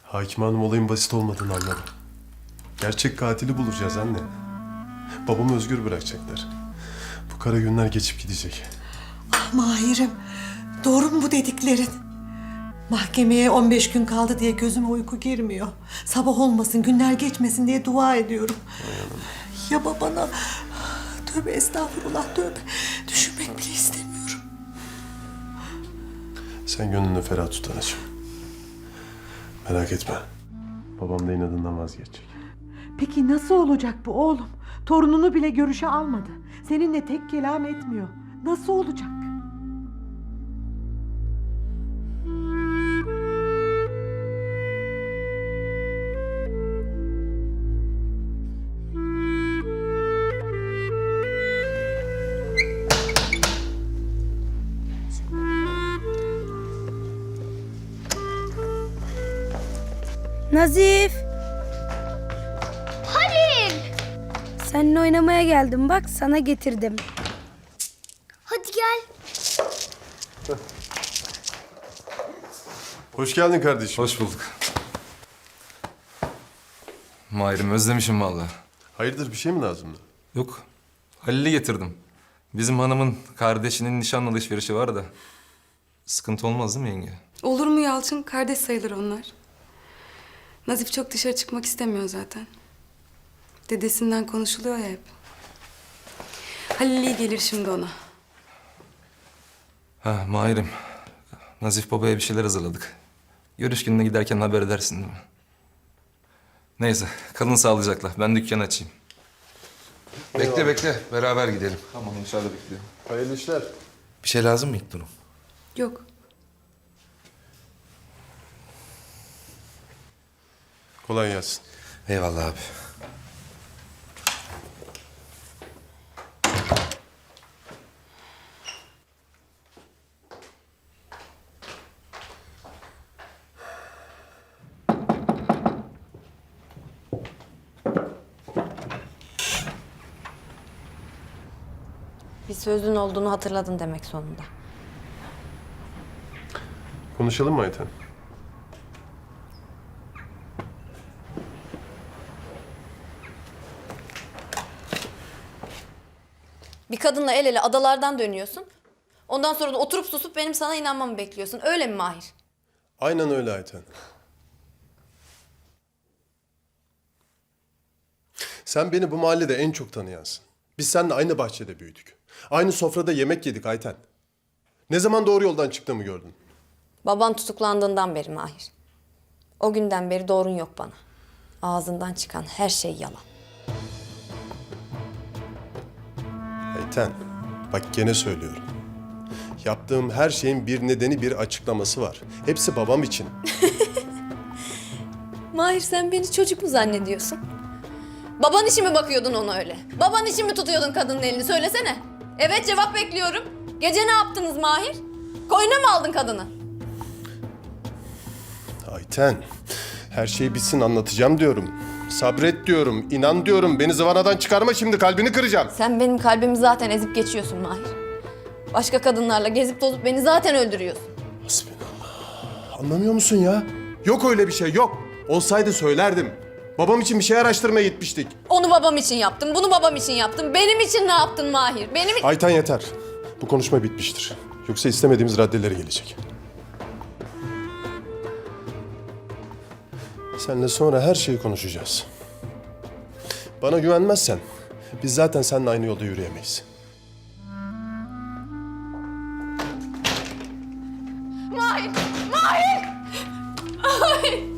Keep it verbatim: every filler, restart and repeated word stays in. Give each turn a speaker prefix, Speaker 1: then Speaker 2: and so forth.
Speaker 1: Hakim Hanım olayın basit olmadığını anladı. Gerçek katili bulacağız anne. Babamı özgür bırakacaklar. Bu kara günler geçip gidecek.
Speaker 2: Ah Mahir'im, doğru mu bu dediklerin? Mahkemeye on beş gün kaldı diye gözüme uyku girmiyor. Sabah olmasın, günler geçmesin diye dua ediyorum. Ya babana... Tövbe estağfurullah, tövbe. Düşünmek bile istemiyorum.
Speaker 1: Sen gönlünü ferah tut anacığım. Merak etme. Babam da inadından vazgeçecek.
Speaker 2: Peki nasıl olacak bu oğlum? Torununu bile görüşe almadı. Seninle tek kelam etmiyor. Nasıl olacak?
Speaker 3: Nazif! Halil! Seninle oynamaya geldim bak sana getirdim.
Speaker 4: Hadi gel.
Speaker 1: Hoş geldin kardeşim.
Speaker 5: Hoş bulduk. Mahir'im özlemişim vallahi.
Speaker 1: Hayırdır bir şey mi lazımdı?
Speaker 5: Yok, Halil'i getirdim. Bizim hanımın kardeşinin nişan alışverişi var da. Sıkıntı olmaz değil mi yenge?
Speaker 6: Olur mu Yalçın? Kardeş sayılır onlar. Nazif çok dışarı çıkmak istemiyor zaten. Dedesinden konuşuluyor ya hep. Halil iyi gelir şimdi ona.
Speaker 5: Ha Mahir'im, Nazif babaya bir şeyler hazırladık. Görüş gününe giderken haber edersin değil mi? Neyse, kalın sağlıcakla. Ben dükkan açayım.
Speaker 7: Bekle bekle. Beraber gidelim.
Speaker 5: Tamam, dışarıda bekliyorum.
Speaker 1: Hayırlı işler.
Speaker 7: Bir şey lazım mı İlknur'um?
Speaker 6: Yok.
Speaker 1: Kolay gelsin.
Speaker 7: Eyvallah abi.
Speaker 8: Bir sözün olduğunu hatırladın demek sonunda.
Speaker 1: Konuşalım mı Ayten?
Speaker 8: Bir kadınla el ele adalardan dönüyorsun. Ondan sonra da oturup susup benim sana inanmamı bekliyorsun. Öyle mi Mahir?
Speaker 1: Aynen öyle Ayten. Sen beni bu mahallede en çok tanıyansın. Biz seninle aynı bahçede büyüdük. Aynı sofrada yemek yedik Ayten. Ne zaman doğru yoldan çıktığımı gördün?
Speaker 8: Baban tutuklandığından beri Mahir. O günden beri doğrun yok bana. Ağzından çıkan her şey yalan.
Speaker 1: Ayten, bak gene söylüyorum. Yaptığım her şeyin bir nedeni, bir açıklaması var. Hepsi babam için.
Speaker 8: Mahir sen beni çocuk mu zannediyorsun? Baban için mi bakıyordun ona öyle? Baban için mi tutuyordun kadının elini? Söylesene. Evet cevap bekliyorum. Gece ne yaptınız Mahir? Koyuna mı aldın kadını?
Speaker 1: Ayten, her şey bitsin anlatacağım diyorum. Sabret diyorum, inan diyorum. Beni zıvanadan çıkarma şimdi, kalbini kıracağım.
Speaker 8: Sen benim kalbimi zaten ezip geçiyorsun Mahir. Başka kadınlarla gezip tozup beni zaten öldürüyorsun.
Speaker 1: Hasbinallah. Anlamıyor musun ya? Yok öyle bir şey, yok. Olsaydı söylerdim. Babam için bir şey araştırmaya gitmiştik.
Speaker 8: Onu babam için yaptım, bunu babam için yaptım. Benim için ne yaptın Mahir? Benim için...
Speaker 1: Ayten yeter. Bu konuşma bitmiştir. Yoksa istemediğimiz raddeleri gelecek. Seninle sonra her şeyi konuşacağız. Bana güvenmezsen biz zaten seninle aynı yolda yürüyemeyiz.
Speaker 8: Mahir! Mahir! Mahir!